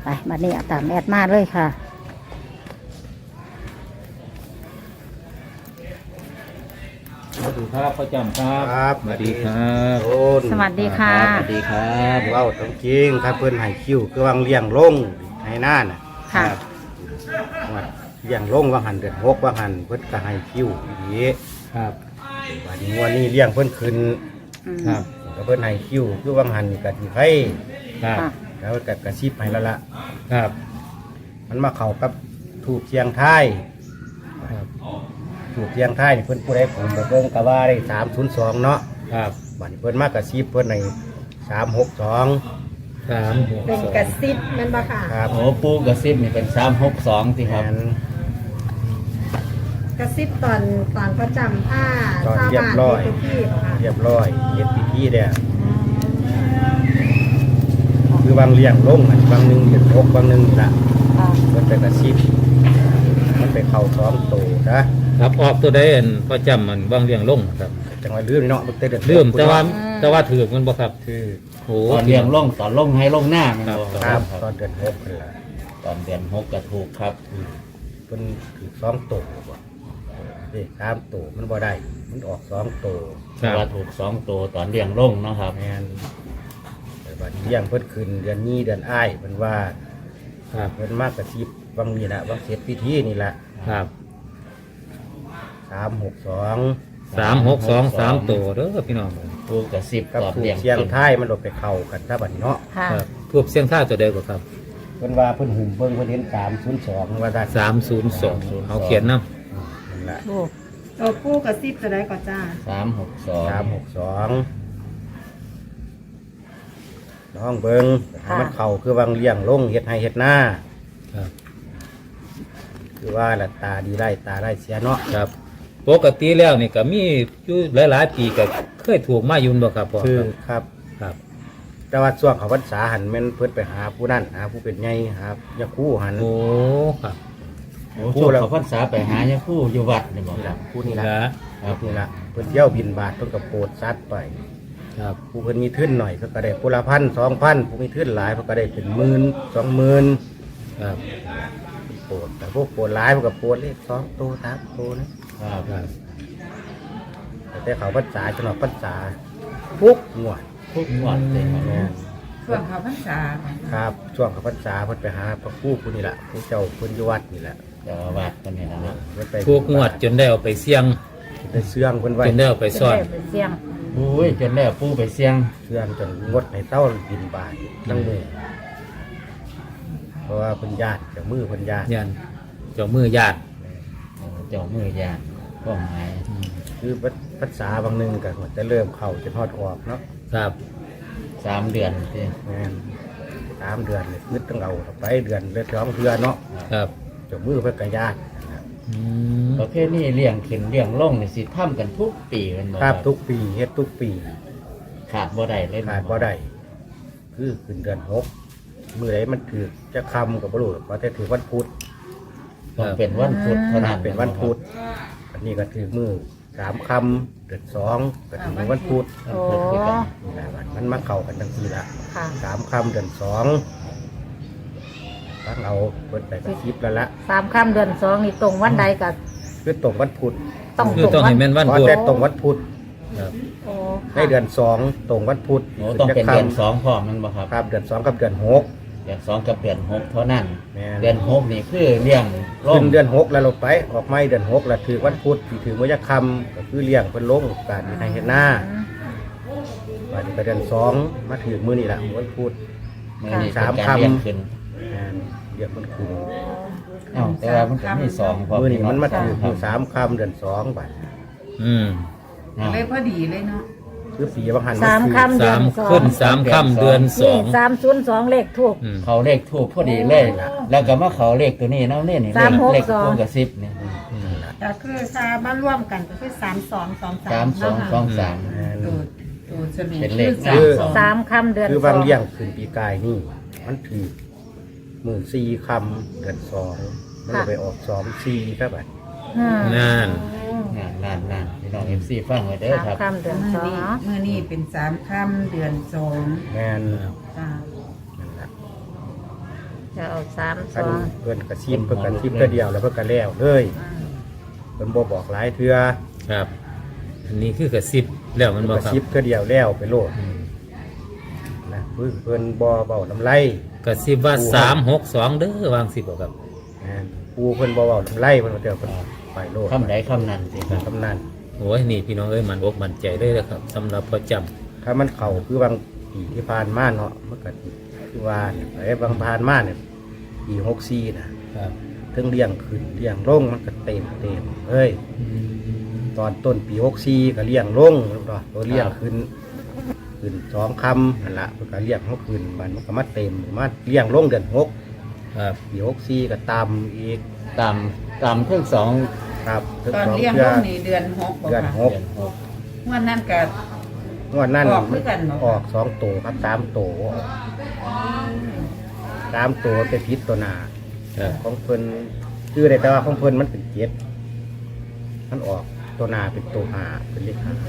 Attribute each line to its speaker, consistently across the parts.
Speaker 1: ไปบัดนี้เอาตามแอดมาเลยค่ะ
Speaker 2: สวัสดีครับพ่อจำครับ
Speaker 3: ครับ
Speaker 2: สวัสดีครับ
Speaker 3: โอน
Speaker 1: สวัสดีค่ะ
Speaker 2: สวัสดีครับ
Speaker 3: เว้าต้องจริงครับเพิ่นให้คิวคือวางเลี้ยงลงให้หน้าน่ะ
Speaker 1: ค่ะ
Speaker 3: ว่าเลี้ยงลงว่าหันเดือน6ว่าหันเพิ่นก็ให้คิวอีก
Speaker 2: ครับ
Speaker 3: วันนี้วันนี้เลี้ยงเพิ่นขึ้น
Speaker 1: อืม
Speaker 2: ครับ
Speaker 3: ก็เพิ่นให้คิวคือวางหันก็สิไผ
Speaker 2: ครับ
Speaker 1: ค่ะ
Speaker 3: แล้วก็กระซิบให้แล้วล่ะ
Speaker 2: ครับ
Speaker 3: มันมาเข้ากับถูกเชียงท้าย
Speaker 2: ครับ
Speaker 3: ถูกเชียงท้ายนี่เพิ่นผู้ใดผมบ่เบิ่งก็ว่าได้302เนาะ
Speaker 2: ครับ
Speaker 3: บัดนี้เพิ่นมากระซิบเพิ่นให้362
Speaker 2: 362
Speaker 4: เป็นกระซิบแมันบ่ค่ะ
Speaker 3: ครับ
Speaker 2: โอ้ปูกระซิบนี่เป็น362สิครับ
Speaker 3: แม่น
Speaker 4: กระซิบตอนประจำผ้า
Speaker 3: ตอน
Speaker 4: ชาว
Speaker 3: เรียบ
Speaker 4: บ้าน
Speaker 3: ร้อย
Speaker 4: ที่พี่เหรอค่ะ
Speaker 3: เรียบร้อยเฮ็ดพิธีแล้วคือวางเลี้ยงลงอันบางหนึงเดือน6บางหนึงละ
Speaker 1: ค่ะ
Speaker 3: มันไปกระซิบมันไปเข้า2โตนะครับ
Speaker 2: ออกตัวใดอันพ่อจำมันบางเรื่องลงครับ
Speaker 3: จังหวะลืมเนาะมันเดือน
Speaker 2: ลืมแต่ว่าถือมันบ่ครับ
Speaker 3: คือ
Speaker 2: โอ้
Speaker 5: ตอนเลี้ยงลงตอนลงให้ลงหน้ามันบอก
Speaker 3: ครับตอนเดือน6นั่นล่ะ
Speaker 5: ตอนเดือน6ก็ถูกครับ
Speaker 3: เพิ่นถือ2โตบ่เด้3โตมันบ่ได้มันออก2โต
Speaker 2: ครับ
Speaker 5: ว่าถูก2ตัวตอนเลี้ยงลงเนาะครับ
Speaker 3: แม่นแต่บัดนี้เลี้ยงเพิ่นขึ้นเดือนนี้เดือนอ้ายเพิ่นว่า
Speaker 2: ครับ
Speaker 3: เพิ่นมากระซิบบางนี่ล่ะบางเสร็จพิธีนี่ล่ะ
Speaker 2: ครับ
Speaker 3: 362
Speaker 2: 362 3ตัวเด้อพี่น้อง
Speaker 5: ปูกระซิบ
Speaker 3: กับ
Speaker 5: ตอน
Speaker 3: ถูก
Speaker 5: เลี้ยง
Speaker 3: เชียง
Speaker 5: ขึ้น
Speaker 3: ท้ายมันหลบไปเข้ากันซะบัดนี้เนาะ
Speaker 1: ค่ะ
Speaker 2: ครับทูบเสียงท่าตัวใดบ่ครับ
Speaker 3: เพิ่นว่าเพิ่นหุ่มเบิ่งเพิ่นเห็น302ว่าซั่น
Speaker 2: 302เอาเขียนนำ
Speaker 3: นั่นล่ะ
Speaker 1: โอ้
Speaker 4: ตัวผู้กระซิบจะได้ก่อนจ้า
Speaker 5: 362
Speaker 3: น้องเบิ่งให้มันเข้าคือวางเลี้ยงลงเฮ็ดให้เฮ็ดหน้า
Speaker 2: ครับ
Speaker 3: คือว่าละตาดีได้ตาได้เสียเนาะ
Speaker 2: ครับปกติแล้วนี่ก็มีอยู่หลายๆปีก็เคยถูกมายุ่นบ่ครับพ่อ
Speaker 3: คือครับ
Speaker 2: ครับ
Speaker 3: แต่ว่าช่วงเขาพรรษาหันแม่นเพิ่นไปหาผู้นั้นหาผู้เป็นใหญ่หายาคู่หัน
Speaker 2: โอ้ครับ
Speaker 5: โอ้ช่วงเขาพรรษาไปหายาคู่อยู่วัดนี่บอก
Speaker 3: นี่
Speaker 5: ครั
Speaker 3: ล่ะ
Speaker 5: บ
Speaker 3: ผู้นี่ล่ะ
Speaker 2: ครับ
Speaker 3: นี่ล่ะเพิ่นเที่ยวบินบาทเพิ่นก็โปรดซัดไป
Speaker 2: ครับ
Speaker 3: ผู้เพิ่นมีทุนหน่อยเพิ่นก็ได้ผู้ละ1,000 2,000ผู้มีทุนหลายเพิ่นก็ได้เป็นหมื่น20,000
Speaker 2: ครับ
Speaker 3: โปรดแต่พวกโปรดหลายเพิ่นก็โปรดเลข2ตัว3ตัวนะครับ
Speaker 2: ครับ
Speaker 3: แต่เขาพรรษาจังหวัดพรรษาทุกงวด
Speaker 5: ทุกวัดเลยครับ
Speaker 3: แม่น
Speaker 4: ช่วงเขาพรรษา
Speaker 3: ครับช่วงเขาพรรษาเพิ่นไปหาพระครูผู้นี่ล่ะผู้เจ้าเพิ่นอยู่วัดนี่แหละ
Speaker 5: เจ้าอาวัดกันนี่นะเนาะ
Speaker 3: เพิ่นไป
Speaker 2: ทุกงวดจนได้เอาไปเสี่ยง
Speaker 3: ไปเสื่องเพิ่นไว้
Speaker 2: จนได้เอาไปซ่อน
Speaker 1: เป็นเสียง
Speaker 5: โอ้ยจนแล้วปูไปเสี่ยง
Speaker 3: เสื่องจนงดให้เต้าบินบาททั้งมือเพราะว่าเพิ่นญาติเจ้ามือเพิ่นญาติ
Speaker 2: ยันเจ้ามือญาติ
Speaker 5: เจ้ามือยานก็หมาย
Speaker 3: คือภาษาบางหนึงก็จะเริ่มเข้าจะทอดออกเนาะ
Speaker 2: ครับ
Speaker 5: 3 เดือนที่
Speaker 3: แม่น3 เดือนนี่คือต้องเอาไปเดือนละ2เดือนเนาะ
Speaker 2: ครับ
Speaker 3: เจ้ามือเพิ่นก็ญาตินะครับ
Speaker 2: อืม
Speaker 5: ประเภทนี้เลี้ยงขึ้นเลี้ยงลงนี่สิทำกันทุกปีกันบ่
Speaker 3: ครับทุกปีเฮ็ดทุกปี
Speaker 5: ขาดบ่ได้เลย
Speaker 3: ขาดบ่ได้คือขึ้นเดือน6มื้อใดมันถือจะคำก็บ่รู้หรอกว่าแต่ถือวันพุธ
Speaker 5: ต้องเป็นวันพุธเท่านั้น
Speaker 3: เป็นวันพุธ อันนี้ก็ถือมือ3คำเดือน2ก็ถือวันพุธ
Speaker 5: วันพุธคือกัน
Speaker 3: นี่แหละมันมาเข้ากันทั้งทีละ
Speaker 1: ค่ะ
Speaker 3: 3คำเดือน2ตั้งเอาเปิดไปกระชิบแล้วละ
Speaker 1: 3 ค่ำเดือน 2นี่ตรงวันใดกับ
Speaker 3: คือตรงวันพุธ
Speaker 1: ต้อง
Speaker 2: คือ
Speaker 1: ตรง
Speaker 2: ต้อง
Speaker 1: วั
Speaker 2: ให้
Speaker 1: น
Speaker 2: แม่นวัน
Speaker 3: เพราะ
Speaker 2: พุธ
Speaker 3: แต่ตรงวันพุธ
Speaker 2: ครับ
Speaker 1: โอ้
Speaker 3: ในเดือน2ตรงวันพุธ
Speaker 5: โอ้ต้องเป็นเดือน2พร้อมมันบ่ครับ
Speaker 3: ครับเดือน2กับเดือน6
Speaker 5: เดือน2กับเดือน6เท่านั้น
Speaker 3: แม่
Speaker 5: เดือน6นี่คือเลี้ยงล
Speaker 3: ขึ้
Speaker 5: ง
Speaker 3: นเดือน6แล้วเราไปออกไม่เดือน6แล้วถือวันพุธที่ถือมื้อยักษ์คำก็คือเลี้ยงเพิ่นลงการให้เฮ็ดหน้าวันนี้ก็เดือน2มาถือมื้อนี่ล่ะวันพุธ
Speaker 5: มื้อนี้เป็นการเลี้ยงขึ้น
Speaker 3: แม่นเรียกมันขึ้น
Speaker 5: อ้าวแต่ว่ามันก็มี2พร้อม
Speaker 3: มื้อนี้มันมาถือ
Speaker 5: ครั
Speaker 3: มื้อ3ค่ำเดือน2บัด
Speaker 2: อืม
Speaker 4: เลยพอดีเลยเนาะ
Speaker 3: คือปีบางหัน
Speaker 1: 3 ค่ำเดื
Speaker 2: สา
Speaker 1: อน
Speaker 2: ม
Speaker 1: 2
Speaker 2: ขึ้น3ค่ำเดือน
Speaker 1: นี่302เลขถูก
Speaker 2: อืม
Speaker 5: เขาเลขทูบพอดีเลยแล้วก็มาเขาเลขตัวนี้เนาะนี่นี่
Speaker 1: 362
Speaker 5: เลขพวกกระซิบเนี่ย
Speaker 4: ก็คือซาบ้านร่วมกันก็คือ
Speaker 5: 3223
Speaker 3: แม่น
Speaker 4: ตัวเฉลี่ย
Speaker 5: เป็นเลข
Speaker 3: คือ
Speaker 1: 3 ค่ำเดือน
Speaker 3: คือบางเลี้ยง
Speaker 1: 2
Speaker 3: ขึ้นปีกายนี่ มันถือมื้อ4ค่ำเดือน2มันก็ไปออก2 4ครับบัด
Speaker 2: นั่น
Speaker 5: นั่นพี่น้อง FC ฟังไว้เด้อครับ
Speaker 1: 3 ค่ำเดือน2เนาะ
Speaker 4: เมื่อนี้เป็น3 ค่ำเดือน2
Speaker 3: แม่น
Speaker 4: จ้า
Speaker 3: นั่นล่ะ
Speaker 1: จะก็เอาสามส
Speaker 3: คัน
Speaker 1: อง
Speaker 3: เพิ่นกระซิบเพิ่นกระซิบเทื่อเดียวแล้วเพิ่นก็แล้วเลยเพิ่นบ่บอกหลายเทื่อ
Speaker 2: ครับ อันนี้คือกระซิบแล้วมัน
Speaker 3: เพิ่น
Speaker 2: บ่
Speaker 3: กระ
Speaker 2: ครับ
Speaker 3: ซิบเทื่อเดียวแล้วไปโลดนะเพิ่นบ่เว้าน้ำไหล
Speaker 2: กระซิบว่า362เด้อวางสิบ่ครับ
Speaker 3: นะปูเพิ่นบ่เว้าน้ำไหลเพิ่นว่าเดี๋ยวเพิ่นไปโลด
Speaker 5: คำใดคำนั้นสิครับ
Speaker 3: คำนั้น
Speaker 2: โอ้ยนี่พี่น้องเอ้ยมันอกมันใจเลยนะครับสำหรับพ่อจำ
Speaker 3: ถ้ามันเข้าคือบางปีที่ผ่านมาเนาะมันก็คือว่าเนี่ยไอ้บางผ่านมาเนี่ยปี64นะครับ ถึงเลี้ยงขึ้นเลี้ยงลงมันก็เต็มเอ้ยตอนต้นปี64ก็เลี้ยงลงแล้วก็ตัวเลี้ยงขึ้น2 คำนั่นละเพิ่นก็เลี้ยงเขาขึ้นมันก็มาเต็มมาเลี้ยงลงเดือน6
Speaker 2: ครับ
Speaker 3: ปี64ก็ตามอีก
Speaker 5: ตามเครื่องสอง
Speaker 3: ครับถึง
Speaker 4: ตอน
Speaker 3: สอง
Speaker 4: เลี้ยง
Speaker 3: เดื
Speaker 4: ลู
Speaker 3: อน
Speaker 4: กนี่เดือน6บ่
Speaker 3: เดือน
Speaker 4: ค่ะ
Speaker 3: หก
Speaker 5: เดือนหก
Speaker 4: วันนั้นก็
Speaker 3: งวดนั้น
Speaker 4: ออกคือกันเหรอ
Speaker 3: ออก2ตัวครับ3ตัว3ตัวไปพิษตัวหนา
Speaker 2: ครับ
Speaker 3: ของเพิ่นชื่อได้แต่ว่าของเพิ่นมันเป็น7มันออกตัวหนาเป็นตัวหาเป็นเลข5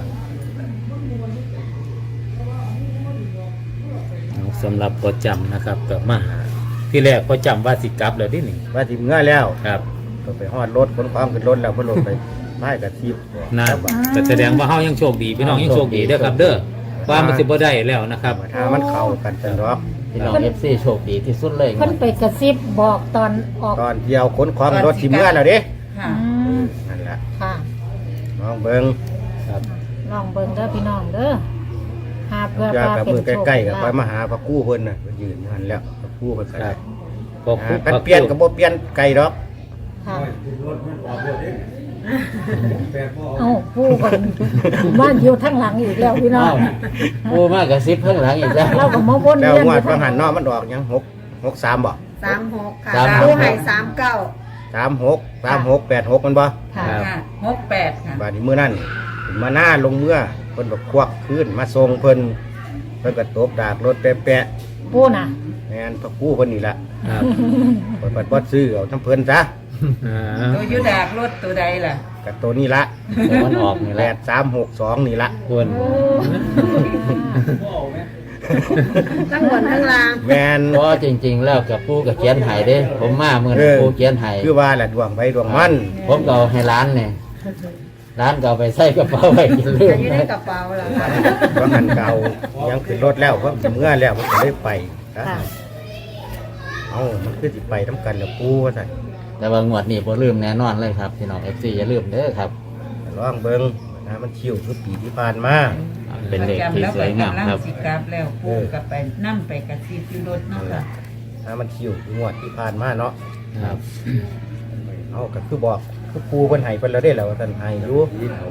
Speaker 2: สำหรับพ่อจำนะครับกับมาหาที่แรกพ่อจำว่าสิกลับแล้วที่นี่
Speaker 3: ว่าสิเมื่อแล้ว
Speaker 2: ครับ
Speaker 3: ก็ไปฮอดรถขนความขึ้นรถแล้วเพิ่นลงไปไม้กับทีบ
Speaker 2: นะแต่แสดงว่าเฮายังโชคดีพี่น้องยังโชคดีเด้อครับ เด้อว่ามันสิบ่ได้แล้วนะครับ
Speaker 3: ถ้ามันเข้ากันจังดอก
Speaker 5: พี่น้อง FC โชคดีที่สุดเลย
Speaker 1: เพิ่นไปกระซิบบอกตอนออก
Speaker 3: ตอนเที่ยวขนความรถสิเมื่อแล้วเด้
Speaker 4: ค่ะ
Speaker 3: นั่นแหละ
Speaker 1: ค่ะ
Speaker 3: น้องเบิ่ง
Speaker 2: ครับ
Speaker 1: ลองเบิ่งเด้อพี่น้องเด้อหาเพื่อ
Speaker 3: อยาก
Speaker 1: ว่า
Speaker 3: กับ
Speaker 1: เป็น
Speaker 3: มือ
Speaker 1: โชค
Speaker 3: ใกล้ๆกับ
Speaker 1: ลา
Speaker 3: ไป
Speaker 1: ภ
Speaker 3: มาหาพระกู้เพิ่นน่ะเพิ่นยืนอยู่หั่นแล้วพระกู้เพิ่นก็
Speaker 2: ครั
Speaker 3: ได้
Speaker 2: บพอคุ
Speaker 3: กันเปลี่ยนก็บ่เปลี่ยนไกลดอก
Speaker 1: ค่ะเอ้าผู้กันบ้านอยู่ทั้งหลังอีกแล้วพี่น้อ
Speaker 5: อ้าง วปูมากกระซิบข้างหลังอีกแล้ว
Speaker 1: เราก็มาวน
Speaker 3: แล้ว
Speaker 1: เวียน
Speaker 3: ง
Speaker 1: อ
Speaker 3: วด
Speaker 1: ยู่
Speaker 3: ว่า
Speaker 1: ทั้งห
Speaker 3: หั
Speaker 1: ลั
Speaker 3: น
Speaker 1: ง
Speaker 3: เนาะมันออกหยัง63บ่
Speaker 4: 36ค่ะ
Speaker 5: สามหก
Speaker 4: ผู้ให้39
Speaker 3: 36 มันบ่
Speaker 1: ค่ะ
Speaker 4: ค่ะ68ค่ะ
Speaker 3: บาดนี้มื้อนั้นขึ้นมาหน้าลงเมื่อเพิ่นก็ควักขึ้นมาส่งเพิ่นก็ตบดากรถแปะ
Speaker 1: ผู้น่ะ
Speaker 3: แม่นพระกู้เพิ่นนี่ล่ะ
Speaker 2: ครับ
Speaker 3: เพิ่นบ่ซื้อเอาทั้งเพิ่นซะ
Speaker 2: อ่า
Speaker 4: ตัวอยุดากรถตัวใดล่ะ
Speaker 3: กับตัวนี้ละ
Speaker 5: แต่มันออกนี่แหละ
Speaker 3: 8362นี่ละ
Speaker 2: คน
Speaker 4: ทั้งบนทั้งล่าง
Speaker 3: แม่น
Speaker 5: เพราะจริง ๆ แล้วกับปูกับเขียนไห้เด้ ผมมาเมื่อนั้นปูเขียนไห้
Speaker 3: คือว่าแหละดวงไปดวงมัน
Speaker 5: ผมก็เอาให้ร้านเนี่ยร้านก็เอาไปใส่กระเป๋าไว้กินเรื่อง
Speaker 4: อยู่ใน
Speaker 5: นะ
Speaker 4: กระเป๋าล่ะ
Speaker 3: ว่าหันเก่ายังขึ้นรถแล้วเพราะเมื่อแล้วมันก็ได้ไปนะ
Speaker 1: ค่ะ
Speaker 3: เอามันคือสิไปทำกันแล้วปูว่าซั่น
Speaker 5: แต่ว่างวดนี้บ่ลืมแน่นอนเลยครับพี่น้อง FC อย่าลืมเด้อครับ
Speaker 3: ลองเบิ่งนะมันชิวคือปีที่ผ่านมา
Speaker 5: เป็นเลขที่สวยงามครับ
Speaker 4: สิกลับแล้วปูกับไปนั่ไปกระซิบอยู่รถเนาะค่ะ
Speaker 3: ถ้ามันชิวคืองวดที่ผ่านมาเนาะ
Speaker 2: ครับ
Speaker 3: เอาก็คือบอกคือปูเพิ่นให้เพิ่นแล้วได้แล้วว่าท่านให้อยู่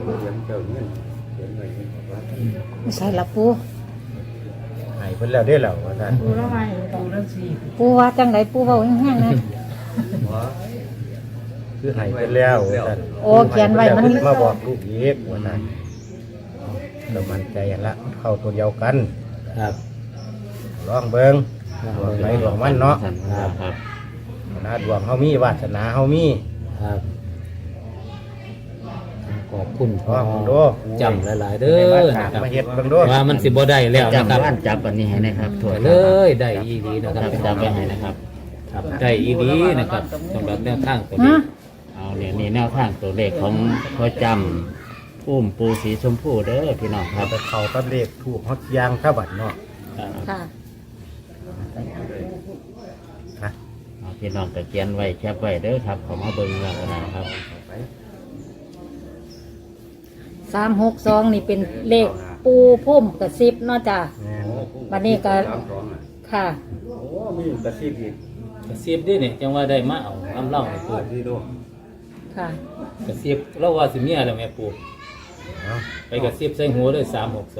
Speaker 1: ไม่ใช่ละปู
Speaker 3: ให้เพิ่นแล้วได้แล้วว่าท่าน
Speaker 4: ปูแล้วไงปูแล้วสิ
Speaker 1: ปูว่าจังไดปูเว้าแห้งๆนะ
Speaker 3: คือให้เพิ่นแล้วว่าท่าน
Speaker 1: โอ้เขียนไว้มัน
Speaker 3: เพิ่มาบอกลูกอีกว่าท่านก็มั่นใจหั่นละเข้าตัวเดียวกัน
Speaker 2: ครับ
Speaker 3: ลองเบิ่งดวงไหนดวงมันเนาะ
Speaker 5: ครับ
Speaker 3: นะดวงเฮามีวาสนาเฮามี
Speaker 2: ครับขอบคุณพ่อ
Speaker 3: ว่าผมดู
Speaker 2: จำหลายๆเด้อ
Speaker 3: มา
Speaker 2: นะ
Speaker 3: ถาม
Speaker 2: ครับ
Speaker 3: มาเฮ็ดเบิ่งดู
Speaker 2: ว่ามันสิบ่ได้แล้วนะ
Speaker 5: จำ
Speaker 2: ครับ
Speaker 5: บ้านจับอันนี้ให้นะครับถั่ว
Speaker 2: เลยได้อีดีนะครับ
Speaker 5: จำไว้ให้นะครับ
Speaker 2: ครับได้อีดีนะครับสำหรับแนวทางตัว
Speaker 1: ฮะ
Speaker 2: นี้
Speaker 5: เอาเนี่ยนี่แนวทางตัวเลขของพ่อจำปุ้มปูสีชมพูเด้อพี่น้องครับ
Speaker 3: ไปเข้ากับเลขถูกฮอดยางซะบัดเนาะ
Speaker 1: ค่ะ
Speaker 3: นะ
Speaker 5: เอาพี่น้องก็เขียนไว้แคปไว้เด้อครับขอมาเบิ่งแล้วกันนะครับ
Speaker 1: 362นี่เป็นเลขปูพุ่มกระซิบเนาะจ้ะ
Speaker 3: แม่น
Speaker 1: วันนี้ก็ค่ะ
Speaker 2: กระซิบดิเนี่ยจังว่าได้มาเอาน้ำเล่าให้ปู
Speaker 1: ค่ะ
Speaker 2: กระซิบเราว่าสิเมียแล้วแม่ปู
Speaker 3: เนาะ
Speaker 2: ไปกระซิบใส่หัวเลย362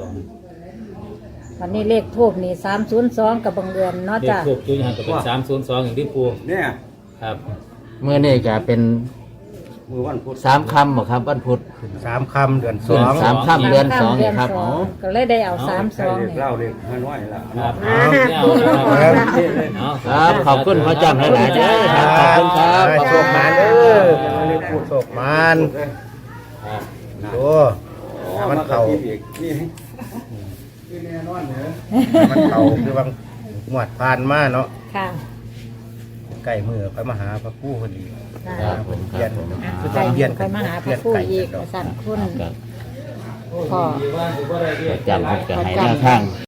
Speaker 1: วันนี้เลขทูบนี่302กับบังเอิญเนาะ
Speaker 2: เด็ก
Speaker 1: จ้ะ
Speaker 2: พวกจุ้ยหันก็เป็น302อย่างที่ปู
Speaker 6: เนี่ย
Speaker 2: ครับ
Speaker 5: เมื่อนี้จะเป็น
Speaker 6: มือวันพุธ
Speaker 5: 3 คำบ่ครับวันพุธ
Speaker 3: 3 ค่ำเดือน
Speaker 5: เดือน
Speaker 3: 2
Speaker 5: สามค่ำเดือนสอง
Speaker 1: เดือน
Speaker 5: ครับ
Speaker 1: สอ
Speaker 5: อ๋
Speaker 1: ง
Speaker 5: อ
Speaker 1: ก็เลยได้เอา
Speaker 6: ใช่
Speaker 1: 32
Speaker 6: เด็ก
Speaker 1: นี่
Speaker 6: เล่าเด็กฮานอยละ
Speaker 2: ครับ
Speaker 3: เอา
Speaker 2: เอา
Speaker 5: ครับขอบคุณพ่อจำหลายๆเด้อครับขอบคุณครับ
Speaker 3: โชคมานเด้อเรียกพูดโชคมาน
Speaker 2: ครับ
Speaker 3: ดูถ้ามันเข้า
Speaker 6: อีกนี่นี่แน่นอนเหรอ
Speaker 3: มันเข้าคือบางงวดผ่านมาเนาะ
Speaker 1: ค่ะ
Speaker 3: ล้ๆมือไปมาหาพระผู้พอดี
Speaker 5: ครับผมค
Speaker 3: เรีย
Speaker 5: รับ
Speaker 3: น
Speaker 5: ผม
Speaker 3: คือ
Speaker 1: ใคร
Speaker 3: เรียน
Speaker 1: ไปมาหาพระผู้อีกสั่นคุณ
Speaker 5: ครับ
Speaker 1: พ่อ
Speaker 5: พอจำเพิ่นก็ให้แนวทาง